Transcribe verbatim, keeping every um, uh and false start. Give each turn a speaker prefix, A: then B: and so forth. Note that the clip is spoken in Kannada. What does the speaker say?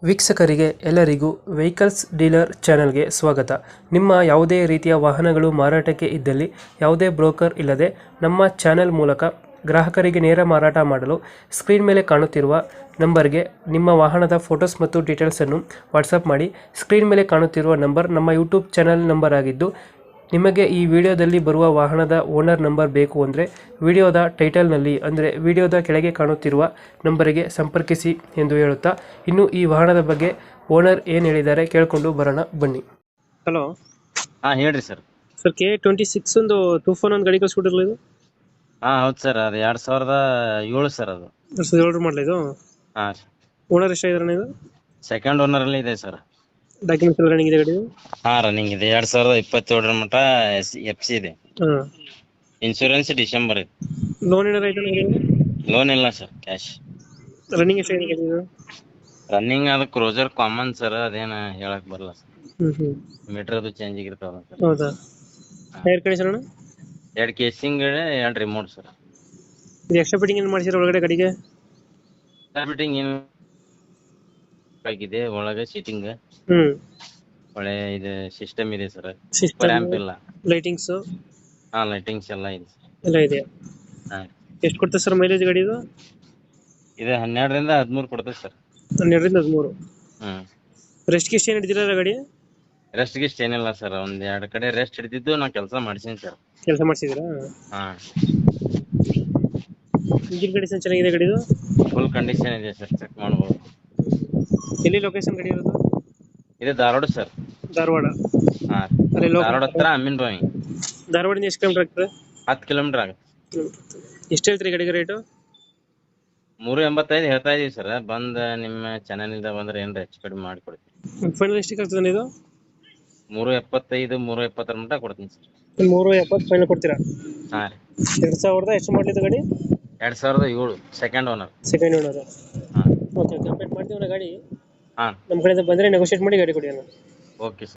A: ವೀಕ್ಷಕರಿಗೆ ಎಲ್ಲರಿಗೂ ವೆಹಿಕಲ್ಸ್ ಡೀಲರ್ ಚಾನೆಲ್ಗೆ ಸ್ವಾಗತ. ನಿಮ್ಮ ಯಾವುದೇ ರೀತಿಯ ವಾಹನಗಳು ಮಾರಾಟಕ್ಕೆ ಇದ್ದಲ್ಲಿ ಯಾವುದೇ ಬ್ರೋಕರ್ ಇಲ್ಲದೆ ನಮ್ಮ ಚಾನೆಲ್ ಮೂಲಕ ಗ್ರಾಹಕರಿಗೆ ನೇರ ಮಾರಾಟ ಮಾಡಲು ಸ್ಕ್ರೀನ್ ಮೇಲೆ ಕಾಣುತ್ತಿರುವ ನಂಬರ್ಗೆ ನಿಮ್ಮ ವಾಹನದ ಫೋಟೋಸ್ ಮತ್ತು ಡೀಟೇಲ್ಸನ್ನು ವಾಟ್ಸಪ್ ಮಾಡಿ. ಸ್ಕ್ರೀನ್ ಮೇಲೆ ಕಾಣುತ್ತಿರುವ ನಂಬರ್ ನಮ್ಮ ಯೂಟ್ಯೂಬ್ ಚಾನೆಲ್ ನಂಬರ್ ಆಗಿದ್ದು, ನಿಮಗೆ ಈ ವಿಡಿಯೋದಲ್ಲಿ ಬರುವ ವಾಹನದ ಓನರ್ ನಂಬರ್ ಬೇಕು ಅಂದರೆ ವಿಡಿಯೋದ ಟೈಟಲ್ನಲ್ಲಿ ಅಂದರೆ ವಿಡಿಯೋದ ಕೆಳಗೆ ಕಾಣುತ್ತಿರುವ ನಂಬರಿಗೆ ಸಂಪರ್ಕಿಸಿ ಎಂದು ಹೇಳುತ್ತಾ, ಇನ್ನು ಈ ವಾಹನದ ಬಗ್ಗೆ ಓನರ್ ಏನು ಹೇಳಿದ್ದಾರೆ ಕೇಳಿಕೊಂಡು ಬರೋಣ ಬನ್ನಿ. ಹಲೋ
B: ಹಾ ಹೇಳ್ರಿ sir.
A: Sir, K twenty six ಒಂದು ಟೂಫೋನ್ ಒಂದು ಗಾಡಿ ಕಳಿಸ್ಕೊಟ್ಟಿರಲ್ಲ ಇದು?
B: ಹಾ ಹೌದು ಸರ್, ಅದು ಎರಡ್ ಸಾವಿರದ ಏಳು ಸರ್. ಅದು
A: ಎರಡು ಸಾವಿರದ ಏಳರ ಮಾಡಲ ಇದು?
B: ಹಾ
A: ಓನರ್ ಎಷ್ಟಾಗಿದ್ದಾರೆ ಇದು?
B: ಸೆಕೆಂಡ್ ಓನರ್ ಅಲ್ಲಿ ಇದೆ ಸರ್.
A: ಡಾಕ್ಯುಮೆಂಟ್ಸ್ ಎಲ್ಲ ರನ್ನಿಂಗ್ ಇದೆ ಗಾಡಿ?
B: ಹಾ ರನ್ನಿಂಗ್ ಇದೆ. ಎರಡ್ ಸಾವಿರದ ಇಪ್ಪತ್ತೇಳರ ಮಟ್ಟ ಎಫ್ ಸಿ ಇದೆ.
A: ಹಾಂ.
B: ಇನ್ಶೂರೆನ್ಸ್ ಡಿಸೆಂಬರ್ ಇದೆ.
A: ಲೋನ್ ಏನಾರ ಐತೆ?
B: ಲೋನ್ ಇಲ್ಲ ಸರ್, ಕ್ಯಾಶ್.
A: ರನ್ನಿಂಗ್ ಎಷ್ಟಾಗಿದೆ ಇದು?
B: ರನ್ನಿಂಗ್ ಅದು ಕ್ರೋಸರ್ ಕಾಮನ್ ಸರ್, ಅದೇನ ಹೇಳಕ್ ಬರಲ್ಲ ಸರ್.
A: ಹ್ಞೂ ಹ್ಞೂ
B: ಮೀಟರ್ ಅದು ಚೇಂಜ್ ಆಗಿರ್ತಾವ ಸರ್.
A: ಹೌದಾ? ಟೈರ್ ಕಂಡೀಷನ್ ಅಣ್ಣ?
B: ಎರಡ್ ಕೇಸಿಂಗ್ ಎರಡ್ ರಿಮೋಟ್ ಸರ್.
A: ಇದು ಎಕ್ಸ್ಟ್ರಾ ಫಿಟ್ಟಿಂಗ್ ಏನು ಮಾಡಿಸಿರೋ ಒಳಗಡೆ ಗಾಡಿಗೆ?
B: ಫಿಟ್ಟಿಂಗ್ ಏನು ಆಗಿದೆ, ಒಳಗೆ ಸೀಟಿಂಗ್
A: ಹ್ಞೂ
B: ಒಳ್ಳೆ ಇದು ಸಿಸ್ಟಮ್ ಇದೆ ಸರ್.
A: ಸಿಸ್ಟಮ್,
B: ರ್ಯಾಂಪ್ ಇಲ್ಲ.
A: ಲೈಟಿಂಗ್ಸು
B: ಹಾ ಲೈಟಿಂಗ್ಸ್ ಎಲ್ಲ ಇದೆ ಸರ್.
A: ಎಲ್ಲ ಇದೆಯಾ?
B: ಹಾ
A: ಎಷ್ಟು ಕೊಡ್ತದೆ ಸರ್ ಮೈಲೇಜ್ ಗಾಡಿ ಇದು?
B: ಇದು ಹನ್ನೆರಡರಿಂದ ಹದಿಮೂರು ಕೊಡ್ತದೆ ಸರ್.
A: ಹನ್ನೆರಡರಿಂದ ಹದಿಮೂರು.
B: ಹ್ಮ್
A: ರೆಸ್ಟ್ ಗಿಸ್ಟ್ ಏನು ಹಿಡಿದಿರಲ್ಲ ಗಾಡಿ?
B: ರೆಸ್ಟ್ ಗಿಸ್ಟ್ ಏನಿಲ್ಲ ಸರ್, ಒಂದ್ ಎರಡ್ ಕಡೆ ರೆಸ್ಟ್ ಹಿಡಿದಿದ್ದು ನಾ ಕೆಲಸ ಮಾಡ್ಸೀನಿ ಸರ್.
A: ಕೆಲಸ ಮಾಡಿಸಿದ್ದೀರಾ?
B: ಹಾ
A: ಇಂಜಿನ್ ಕಂಡೀಷನ್ ಚೆನ್ನಾಗಿದೆ ಗಾಡಿದು?
B: ಫುಲ್ ಕಂಡೀಷನ್ ಇದೆ ಸರ್, ಚೆಕ್ ಮಾಡ್ಬೋದು.
A: ಎಲ್ಲಿ ಲೊಕೇಶನ್ ಗಾಡಿ ಇರೋದು?
B: ಇದು ಧಾರವಾಡ ಸರ್.
A: ಧಾರವಾಡ?
B: ಹಾ
A: ಅಲ್ಲಿ
B: ಧಾರವಾಡ ಹತ್ರ ಅಮೀನ್ ಬಾವಿ.
A: ಧಾರವಾಡಿಂದ ಎಷ್ಟು ಕಿಲೋಮೀಟರ್ ಆಗ್ತದೆ?
B: ಹತ್ತು ಕಿಲೋಮೀಟರ್ ಆಗುತ್ತೆ.
A: ಎಷ್ಟು ಹೇಳ್ತೀರಿ ಗಾಡಿಗೆ ರೇಟು?
B: ಮೂರು ಎಂಬತ್ತೈದು ಹೇಳ್ತಾ ಇದೀವಿ ಸರ್. ಬಂದ್ ನಿಮ್ಮ ಚಾನಲ್ನಿಂದ ಬಂದ್ರೆ ಏನ್ರ ಹೆಚ್ಚು ಕಡಿಮೆ ಮಾಡಿಕೊಡ್ತೀನಿ.
A: ಫೈನಲ್ ಎಷ್ಟಕ್ಕೆ ಆಗ್ತದೆ ಇದು?
B: ಮೂರು ಎಪ್ಪತ್ತೈದು ಮೂರು ಎಪ್ಪತ್ತರ ಮಟ್ಟ ಕೊಡ್ತೀನಿ ಸರ್.
A: ಮೂರು ಎಪ್ಪತ್ತು ಫೈನಲ್ ಕೊಡ್ತೀರಾ?
B: ಹಾ ರೀ.
A: ಎರಡು ಸಾವಿರದ ಎಷ್ಟು ಮಾಡಲಿದ್ದು ಗಾಡಿ?
B: ಎರಡ್ ಸಾವಿರದ ಏಳು ಸೆಕೆಂಡ್ ಓನರ್.
A: Second owner?
B: ಹಾ
A: ಓಕೆ ಓಕೆ, ಅಪ್ಡೇಟ್ ಮಾಡ್ತೀವಿ ಗಾಡಿ.
B: ಹಾ
A: ನಮ್ಮ ಕಡೆಯಿಂದ ಬಂದರೆ ನೆಗೋಷಿಯೇಟ್ ಮಾಡಿ ಗಾಡಿ ಕೊಡಿ ಅಣ್ಣ.
B: Okay sir.